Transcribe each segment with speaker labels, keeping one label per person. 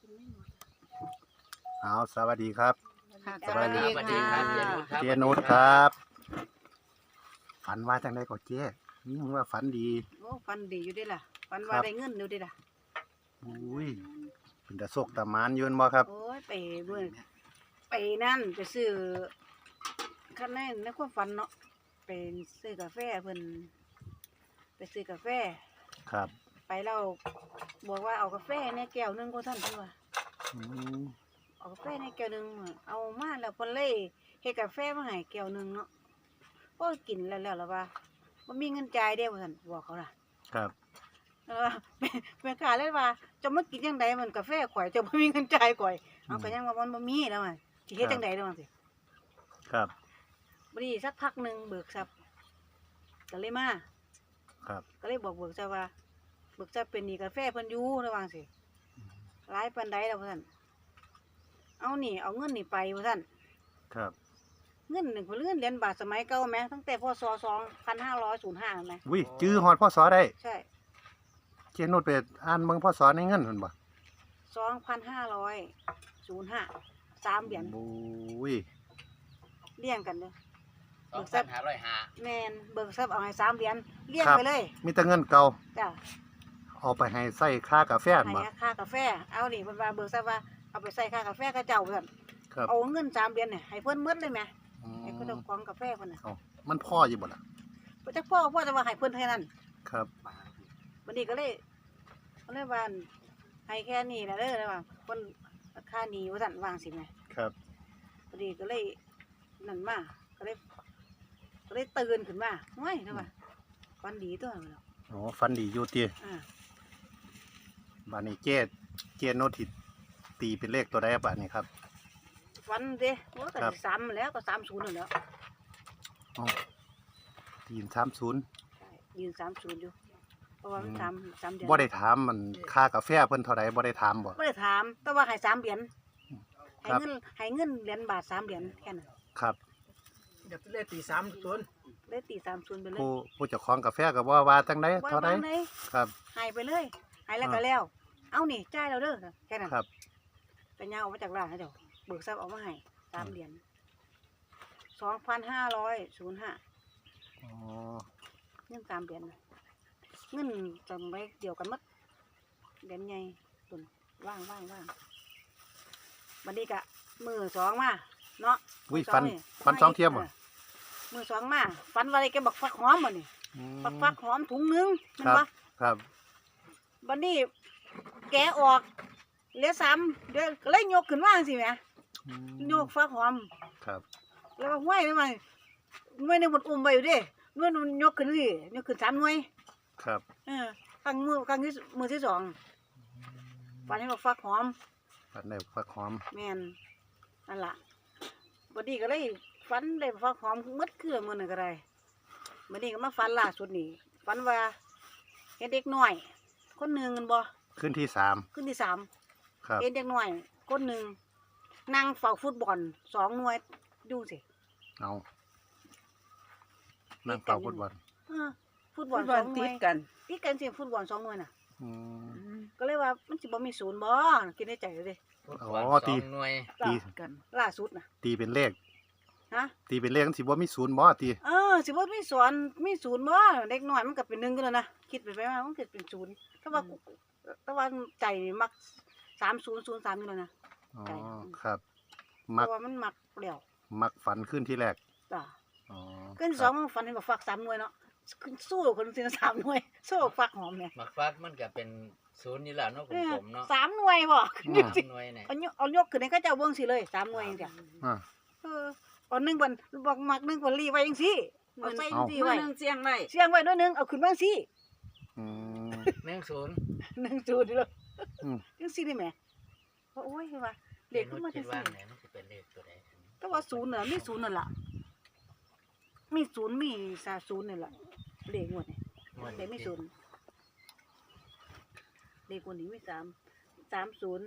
Speaker 1: เอาสวัสดีครับ
Speaker 2: สวัสดีค่ะ
Speaker 1: เจนุชครับฝันว่าจังไดก็เจ๊นี่ผมว่าฝันดี
Speaker 2: โอ้ฟันดีอยู่เด้ล่ะฟันว่าได้เงินอยู่เด้ล่ะ
Speaker 1: อุ้ยเป็นตะโศกตะหมานยืนบ่ครับ
Speaker 2: โอ้ยไปเบิ่งไปนั่นไปซื้อคันในความฝันเนาะไปซื้อกาแฟเพิ่นไปซื้อกาแฟ
Speaker 1: ครับ
Speaker 2: ไปแล้วบอกว่าเอากาแฟในแก้วหนึงก็ท่านเพิ่นว่า
Speaker 1: อืม
Speaker 2: เอากาแฟในแก้วหนึงเอามาแล้วเพิ่นเลยเฮ็ดกาแฟมาให้แก้วหนึงเนาะโอ้ยกินแล้วว่าบ่มีเงินจ่ายเด้ว่าซั่นบอกเขาล่ะ
Speaker 1: ครับ
Speaker 2: แม่ค้าเลยว่าจะมากินจังไดมันกาแฟข่อยจะบ่มีเงินจ่ายข่อยเอาก็ยังว่ามันบ่มีแล้วมันสิเฮ็ดจังได๋แล้วมันสิ
Speaker 1: ครับ
Speaker 2: บ่ดีสักพักหนึงเบิกทรัพย์ก็เลยมา
Speaker 1: ครับ
Speaker 2: ก็เลยบอกเบิกทรัพย์ว่าเบิกทรัพย์เป็นหนี้กาแฟเพิ่นอยู่ระวังสิหลายปานใดแล้วว่าซั่นเอานี่เอาเงินนี่ไปว่าซั่น
Speaker 1: ครับ
Speaker 2: เงิน1เงินเหรียญบาทสมัยเก่าแหมตั้งแต่พศ2505แหม
Speaker 1: อุ้ยจื้อฮอดพ่อสอได้
Speaker 2: ใช่
Speaker 1: เจนุชไปอ่านเบิ่งพ่อสอในเงินเพิ่นบ่
Speaker 2: 2505 3เหรียญ
Speaker 1: อุ้ย
Speaker 2: เรียงกันเด้อ
Speaker 3: 2,505
Speaker 2: แม่นเบิกทรัพย์เอาให้3เหรียญเรียงไปเลย
Speaker 1: มีแต่เงินเก่า
Speaker 2: จ้ะ
Speaker 1: เอาไปให้ใส่ค่ากาแฟนั่น
Speaker 2: ให้
Speaker 1: บ่
Speaker 2: ค่ากาแฟเอานี่เพิ่นว่าเบิกทรัพย์ว่าเอาไปใส่ค่ากาแฟเขาเจ้าเพิ่น
Speaker 1: ครับ
Speaker 2: เอาเงิน3เหรียญเนี่ยให้เพิ่นหมดเลยแหม
Speaker 1: อืม
Speaker 2: ให้เพิ่นเอาของกาแฟเพิ่นน่ะ
Speaker 1: เอามันพ่ออยู่บ่ล่ะ
Speaker 2: เพิ่นจักพ่อจะว่าให้เพิ่นแค่นั้น
Speaker 1: ครับ
Speaker 2: บัดนี้ก็เลยว่าให้แค่นี้ล่ะเด้อว่าเพิ่นค่าหนี้ว่าซั่นวางสิแหม
Speaker 1: ครับ
Speaker 2: บัดนี้ก็เลยนั่นมาก็เลยตื่นขึ้นมาโอ้ยนะว่าฝันดีตัวเนาะ
Speaker 1: อ๋อฝันดีอยู่ติ
Speaker 2: อ่า
Speaker 1: บัดนี้เจนุชที่ตีเป็นเลขตัวใดบัดนี้ครับ
Speaker 2: ฝันเด้โอ้ก็
Speaker 1: ครับ
Speaker 2: สิ3แล้วก็30นั่นแหล้ว
Speaker 1: อ๋อตีน30
Speaker 2: ใช่ยืน30อยู่เพราะว่ามัน3เดือน
Speaker 1: บ่ได้ถามมันค่ากาแฟเพิ่นเท่าใดบ่ได้ถามบ่
Speaker 2: ไม่ได้ถามแต่ว่าให้3เหรียญ
Speaker 1: ค
Speaker 2: ให้
Speaker 1: รับ
Speaker 2: เงินเหรียญบาท3เหรียญแค่นั้น
Speaker 1: ครับ
Speaker 4: เดี๋ยวเลขตี30
Speaker 2: เลยตี30ไปเลย
Speaker 1: ผู้เจ้าของกาแฟก็บ่ว่าจังได๋
Speaker 2: ว่า
Speaker 1: เท่าใด
Speaker 2: วางเลย
Speaker 1: ครับ
Speaker 2: ให้ไปเลยให้แล้วก็แล้ว เอานี่จ่ายเราเด้อแค่นั้น
Speaker 1: ครับ
Speaker 2: ไปย่างออกมาจากร้านให้เดี๋ยวเบิกทรัพย์เอามาให้3เหรียญ2,505
Speaker 1: อ๋อ
Speaker 2: เงิน3เหรียญน่ะเงินจำไว้เดียวกันหมดเหรียญใหญ่ตุนว่างบัดนี้ก็มือ2มาเนาะ
Speaker 1: อุ้ย
Speaker 2: มื้
Speaker 1: ฟัน
Speaker 2: นี่
Speaker 1: ฟันสองเทียมบ่
Speaker 2: มือ2มาฟันว่าอะไรแกบอกฟักหอมบ่นี่
Speaker 1: อืม
Speaker 2: ฟักหอมถุงหนึงแมัน
Speaker 1: ครับ
Speaker 2: บ่
Speaker 1: ครับ
Speaker 2: บัดนี้แกะออกเหลือ3เดี๋ยวก็เลยยกขึ้นมาจังซี่แหม
Speaker 1: อืม
Speaker 2: ยกฟักหอม
Speaker 1: ครับ
Speaker 2: แล้วก็ห้วยได้ไหมหน่วยหนึงมันอุ้มไว้อยู่เด้หน่วยหนึงมันยกขึ้นสิยกขึ้น3หน่วย
Speaker 1: ครับ
Speaker 2: ครั้งที่มือที่2ฟันให้บอกฟักหอม
Speaker 1: ฟันได้ฟักหอม
Speaker 2: แม่นนั่นล่ะบัดนี้ก็เลยฟันได้ฟักหอมหมดคือมื้อนึงก็ได้บัดนี้ก็มาฟันล่าสุดนี่ฟันว่าเห็นเด็กน้อย คนหนึงกันบ่
Speaker 1: ขึ้นที่3
Speaker 2: ขึ้นที่3
Speaker 1: ครับ
Speaker 2: เห็นเด็กน้อยคนหนึงนั่งเฝ้าฟุตบอล2หน่วยดูสิ
Speaker 1: เอานั่งเป่าฟุตบอล
Speaker 2: เออฟุตบอล
Speaker 4: วัน
Speaker 2: 2หน่
Speaker 4: ติ
Speaker 2: ว
Speaker 4: ด
Speaker 2: ย
Speaker 4: กัน
Speaker 2: ติดกันสิฟุตบอล2หน่วยน่ะ
Speaker 1: อืม
Speaker 2: ก็เลยว่ามันสิบ่มีศูนย์บ่คิดในใจเลยเด้
Speaker 1: อ๋อตี
Speaker 3: 2หน่วย
Speaker 1: ตี
Speaker 4: กัน
Speaker 2: ล่าสุดน่ะ
Speaker 1: ตีเป็นเลข
Speaker 2: ฮะ
Speaker 1: ตีเป็นเลขมันสิบ่มีศูนย์บ่ตี
Speaker 2: สิบ่มีสอนมีศูนย์บ่เด็กน้อยมันก็เป็น1กันแล้วนะคิดไปว่ามันก็เป็นศูนย์แต่ว่าใจนี่มัก3003อยู่แล้วนะ
Speaker 1: อ๋อ
Speaker 2: ใช่
Speaker 1: ครับ
Speaker 2: เพ
Speaker 1: มัก
Speaker 2: ราะว่ามันมักแล้ว
Speaker 1: มักฝันขึ้นที่แรก
Speaker 2: จ้ะ
Speaker 1: อ๋อ
Speaker 2: ขึ้น
Speaker 1: ค
Speaker 2: ส
Speaker 1: รั
Speaker 2: อบ งมันฝันเห็นบ่ฟัก3หน่วยเนาะขึ้นสู้คนสิ3หน่วยสู้ฟักหอมเนี่ย
Speaker 3: หมักฟักมันก็เป็นศูนย์อยู่แล้วเนาะกลมๆเนาะ
Speaker 2: 3หน่วยบ่ขึ้นสิ
Speaker 3: 3หน่วยเนี่ย
Speaker 2: เอายกขึ้นให้เขาเจ้าเบิ่งสิเลย3หน่วยจังซี่
Speaker 1: อ่า
Speaker 2: เอา1เพิ่นบอกมัก1เพิ่นรีไว้จังซี่เอาใส่จังซี่
Speaker 4: มื้อ
Speaker 2: ไว้
Speaker 4: นึงเสียงไว้
Speaker 2: เสียงไว้ด้วยหนึงเอาขึ้นมาจังซี่
Speaker 1: อืม
Speaker 3: 10
Speaker 2: 1จูดเลย
Speaker 1: อืม
Speaker 2: จังซี่ได้แหมโอ้ยว่าเลข
Speaker 3: เด็ก
Speaker 2: ขึ้น
Speaker 3: มั
Speaker 2: มาน จั
Speaker 3: คิ
Speaker 2: ง
Speaker 3: ดว่า
Speaker 2: ซี่
Speaker 3: ไหนมันสิเป็นเลขตัวใด
Speaker 2: แต่ว่าศูนย์น่ะมีศูนย์นั่นล่ะมีศูนย์มี30นี่ล่ะเลขงวดนี่
Speaker 3: งวด
Speaker 2: เลขมีศูนย์เลขงวดนี้มี3 30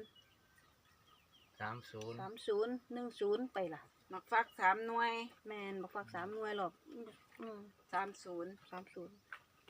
Speaker 3: 30
Speaker 2: 30 10ไปล่ะ
Speaker 4: มักฟัก3หน่วย
Speaker 2: แม่นบ่ฟัก3หน่วยหรอก
Speaker 4: 30
Speaker 2: 30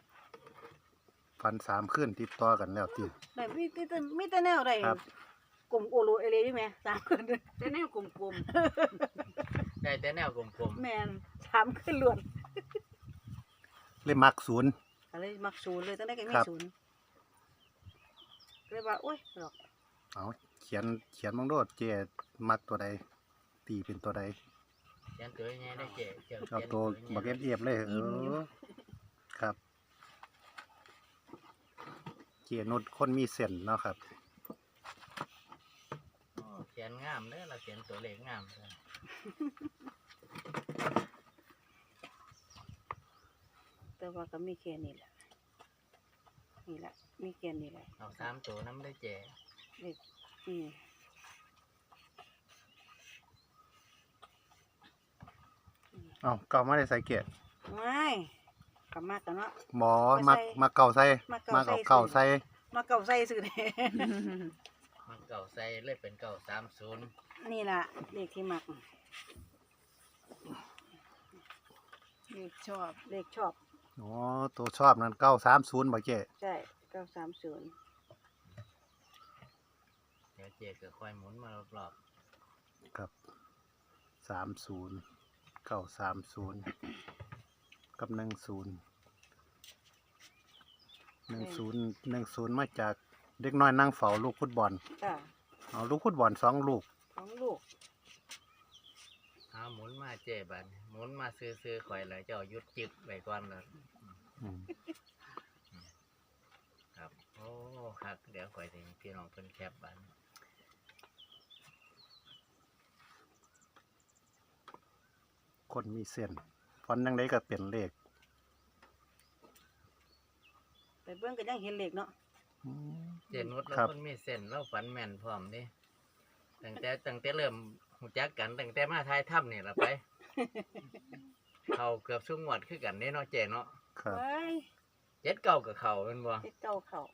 Speaker 1: ฝัน3ขึ้นติดต่อกันแล้วตี
Speaker 2: ได้มีแต่แนวได้
Speaker 1: ครับ
Speaker 2: กลมโอโลเอเลอยู่แม่สามขึ้น
Speaker 4: แต่แนวกลม
Speaker 3: ได้แต่แนวกลม
Speaker 2: แม่นสามขึ้นล้วน
Speaker 1: เลยมักศูนย์
Speaker 2: ก็เลยมักศูนย์เลยตั้งแต่ก็มี
Speaker 1: ครับ
Speaker 2: ศูนย์ก็เลยว่าโอ้ยหรอก
Speaker 1: เอาเขียนมังโดดเจมักตัวใดตีเป็นตัวใด
Speaker 3: ๆยันตัวใหญ่ได้เจ๊เจ้า
Speaker 1: เอา
Speaker 3: เขียน
Speaker 1: ตัว
Speaker 3: ใหญ่
Speaker 1: บักเอฟเลยครับ เจนุดคนมีเส้นเนาะครับ
Speaker 3: โอ้เขียนงามเด้อเราเขียนตัวเลขงามเด้อ
Speaker 2: แต่ว่าก็มีแค่นี้แหละนี่แหละมีแค่นี้แหละ
Speaker 3: เอา3ตัวน้ำได้เจ๊
Speaker 2: เด็กอืม
Speaker 1: เอาเก่ามาได้ใส่เกต
Speaker 2: ไม่กลับมากันเนาะ
Speaker 1: หมอ
Speaker 2: ไปใส่
Speaker 1: มักเก่าใส่
Speaker 2: มั
Speaker 1: มั
Speaker 2: ก
Speaker 1: ก
Speaker 2: เก่า
Speaker 1: เอา
Speaker 2: ใส่
Speaker 1: เก่าใส่
Speaker 2: มาเก่าใส่สื่อเนี่ย
Speaker 3: มันเก่าใส่เลยเป็นเก่า30
Speaker 2: นี่ล่ะเลขที่มัก
Speaker 4: เลขชอบ
Speaker 2: เลขชอบ
Speaker 1: อ๋อตัวชอบนั้น930บ่เจ
Speaker 2: ใช่930
Speaker 3: เดี๋ยวเจ๊ก็ค่อยหมุนมารอบ
Speaker 1: ครับ30 930กับ10มาจากเด็กน้อยนั่งเฝ้าลูกฟุตบอล
Speaker 2: จ้ะ
Speaker 1: เอาลูกฟุตบอล2ลูก
Speaker 2: ของลูก
Speaker 3: ๆเอาหมุนมาเจ๊บัดนี้หมุนมาซื้อๆข่อยเลยเจ้าหยุดจึกไว้ก่อนเลย
Speaker 1: อืม
Speaker 3: ครับโอ้ครับเดี๋ยวข่อยสิให้พี่น้องเพิ่นแคปบัดนี้
Speaker 1: คนมีเส้นฟอนต์ยังไดก็เป็นเลข
Speaker 2: ไปเบิ่งก็ยังเห็นเลขเนาะ
Speaker 1: อืม
Speaker 3: เจนุชเรา
Speaker 1: ครับ
Speaker 3: คนมีเส้นเราฝันแม่นพร้อมเดิตั้งแต่เริ่มหูจักกันตั้งแต่มาทายถ้ำนี่ละไป เขาเกือบชุ่งหวดคือกันเด้เนาะเจเนาะ
Speaker 1: ครับ
Speaker 2: ไว้
Speaker 3: 7 เก่ากับเขาเป็นบ่
Speaker 2: เฮ็ดเก่าเข้า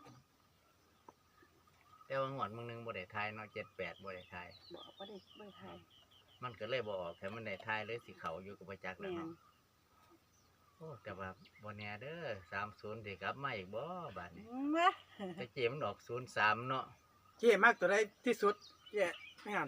Speaker 3: แต่ว่าหวดมึงนึงบ่ได้ทายเนาะ7 8บ่ได้ทาย
Speaker 2: บอกบ่ได้ทาย
Speaker 3: มันก็เลยบ่ออกแต่มันได้ทายเลยสิเขาอยู่กับประจักษ์แล้ว
Speaker 2: แม่น
Speaker 3: เนาะโอ้แต่ว่าบ่แน่เด้อ30สิกลับมาอีกบ่บาดนี้
Speaker 2: วะ
Speaker 3: แต่เจมันออก03เนาะ
Speaker 4: ๆเจ๊มากตัวใดที่สุดเจ๊ไม่หัน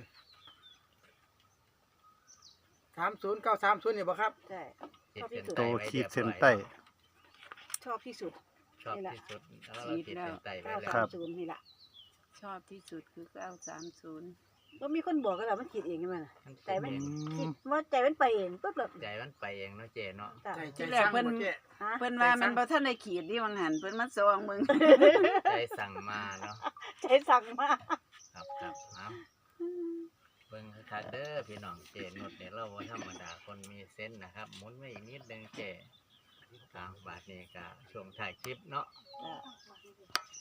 Speaker 4: 30 930นี่บ่ครับ
Speaker 2: ใช่
Speaker 3: ขีดเส้น
Speaker 1: โต
Speaker 3: ใต้ไว้
Speaker 1: ขีด
Speaker 3: รียบร้อย
Speaker 1: เส้นใต้
Speaker 2: ชอบที่สุด
Speaker 3: ชอบ
Speaker 2: นี่ล่ะ
Speaker 3: ที่สุดแล้วเราขีดเส้นใต้ไว้แล้ว
Speaker 1: ครับ
Speaker 2: 930นี่ล่ะ
Speaker 4: ชอบที่สุดคือ930
Speaker 2: ก็มีคนบอกกันแล้วมันคิดเองใช่ไหมล่ะ
Speaker 3: มัน
Speaker 2: ใจมัน
Speaker 1: อื
Speaker 2: คิด
Speaker 1: ม
Speaker 2: ว่าใจมันไปเองปุ๊บแบบ
Speaker 3: ใจมันไปเองเนาะเจเนาะ
Speaker 2: จ้ะ
Speaker 4: ใจสร้างบ่เจ๊
Speaker 2: ฮะ
Speaker 4: เพิ่นว่ามันบ่ทันได้ขีดดิวังหันเพิ่นมาซองมึง
Speaker 3: ใจสั่งมาเนาะ
Speaker 2: ใจสั่งมา
Speaker 3: ครับเอาเบิ่งคักๆเด้อพี่น้องเจนุชเนี่ยเราบ่ธรรมดาคนมีเส้นส์นะครับหมุนไว้อีกนิดนึงเจบาทนี้ก็ช่วงถ่ายคลิปเนาะ
Speaker 2: จ้ะ